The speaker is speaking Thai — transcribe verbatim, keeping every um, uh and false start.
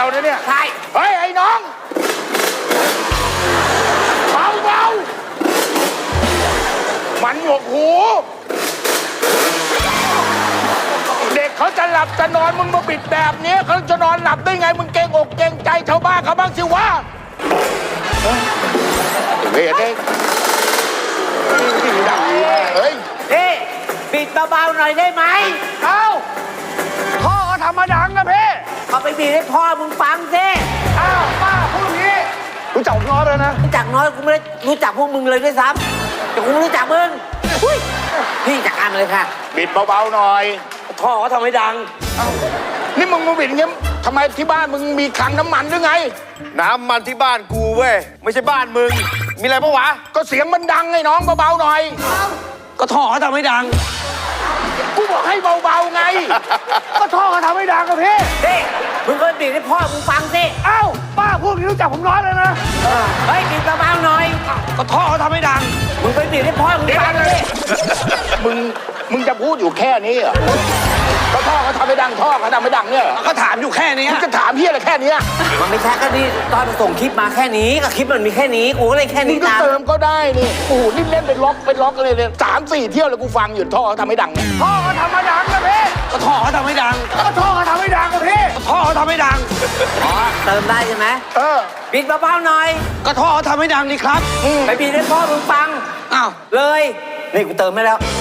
นะเนี่ยใช่เฮ้ยไอ้น้องเบาเบามันหนวกหูเด็กเขาจะหลับจะนอนมึงมาปิดแบบนี้เขาจะนอนหลับได้ไงมึงเกรงอกเกรงใจชาวบ้านเขาบ้างสิวะเฮ้ยเด็กเฮ้ยเฮ้ปิดเบาๆหน่อยได้ไหมเอ้าพ่อก็ทำมาดังนะพี่เอาไปบีบให้พ่อมึงฟังสิอ้าวป้าพูดอย่างนี้รู้จักน้อยเลยนะรู้จักน้อยกูไม่ได้รู้จักพวกมึงเลยด้วยซ้ำแต่กูไม่รู้จักมึงพี่จัดการเลยค่ะบิดเบาๆหน่อยพ่อเขาทำให้ดังเอ้านี่มึงมาบิดอย่างงี้ทำไมที่บ้านมึงมีคลังน้ำมันหรือไงน้ำมันที่บ้านกูเว้ยไม่ใช่บ้านมึงมีอะไรปะวะก็เสียงมันดังไงน้องเบาๆหน่อยก็ท่อเขาทำให้ดังกูบอกให้เบาๆไงก็ท่อเขาทำให้ดังกับพี่เฮ้มึงก็บีบให้พ่อมึงฟังสิเอ้าป้าพูดรู้จักผมน้อยเลยนะเฮ้ยบีบเบาๆหน่อยก็ท่อเขาทำให้ดังมึงไปบีบให้พ่อมึงฟังสิมึงมึงจะพูดอยู่แค่นี้เหรอก็ท่อเขาทำให้ดังท่อเขาทำให้ดังเนี่ยก็ถามอยู่แค่นี้มึงจะถามพี่อะไรแค่นี้มันไม่ใช่ก็นี่ตอนส่งคลิปมาแค่นี้ก็คลิปมันมีแค่นี้กูก็เลยแค่นี้ตามมึงก็เติมก็ได้นี่โอ้โหนี่เล่นเป็นล็อกเป็นล็อกเลยเลยสามสี่เที่ยวเลยกูฟังอยู่ท่อเขาทำให้ดังท่อเขาทำให้ดังนะพี่ก็ท่อเขาทำให้ดังก็ท่อเขาทำให้ดังกับพี่ท่อเขาทำให้ดังอ๋อเติมได้ใช่ไหมเออบิดเบาๆหน่อยก็ท่อเขาทำให้ดังนี่ครับไปบิดให้พ่อมึงฟังอ้าวเลยนี่กูเติมให้แล้ว